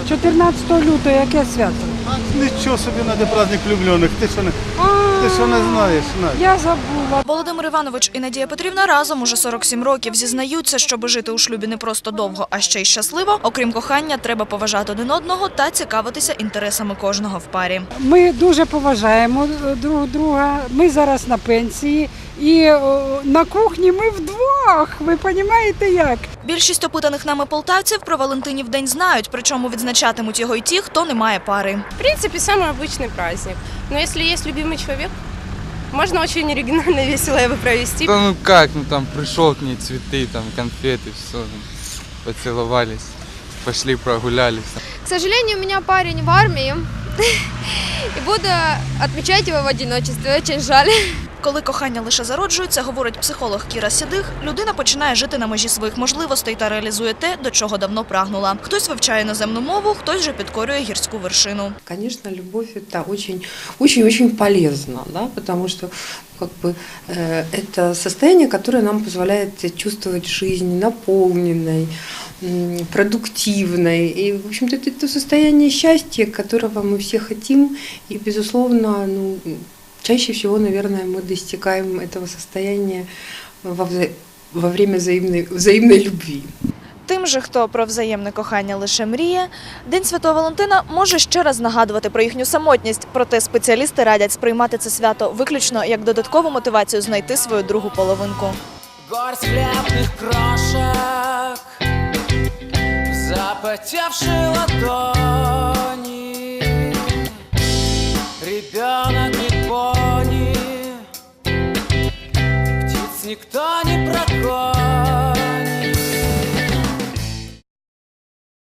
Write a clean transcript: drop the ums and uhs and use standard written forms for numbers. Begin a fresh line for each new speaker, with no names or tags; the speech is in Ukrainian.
14 лютого яке свято?
Нічого собі на праздник влюблених. Ти що не знаєш?
Я забула.
Володимир Іванович і Надія Петрівна разом уже 47 років. Зізнаються, щоб жити у шлюбі не просто довго, а ще й щасливо. Окрім кохання, треба поважати один одного та цікавитися інтересами кожного в парі.
Ми дуже поважаємо друг друга. Ми зараз на пенсії. І на кухні ми вдвох. Ви розумієте як?
Більшість опитаних нами полтавців про Валентинів день знають, причому відзначатимуть його й ті, хто не має пари.
В принципе, самый обычный праздник. Но если есть любимый человек, можно очень оригинально, весело его провести.
Да ну как, ну там пришел к ней цветы, там конфеты, все, поцеловались, пошли прогулялись.
К сожалению, у меня парень в армии, и буду отмечать его в одиночестве, очень жаль.
Коли кохання лише зароджується, говорить психолог Кіра Сідих, людина починає жити на межі своїх можливостей та реалізує те, до чого давно прагнула. Хтось вивчає іноземну мову, хтось же підкорює гірську вершину.
Конечно, любовь – это очень полезно, да, потому что это состояние, которое нам позволяет чувствовать жизнь наполненной, продуктивной. И, в общем-то, это то состояние счастья, которого мы все хотим. И, безусловно, чаще всего, наверное, мы достигаем этого состояния во время взаимной любви.
Тим же, хто про взаємне кохання лише мріє, День Святого Валентина може ще раз нагадувати про їхню самотність. Проте спеціалісти радять сприймати це свято виключно як додаткову мотивацію знайти свою другу половинку.
Горсть хлебных крошек, запотевшей ладони, ребенок и пони, птиц никто не прогонит.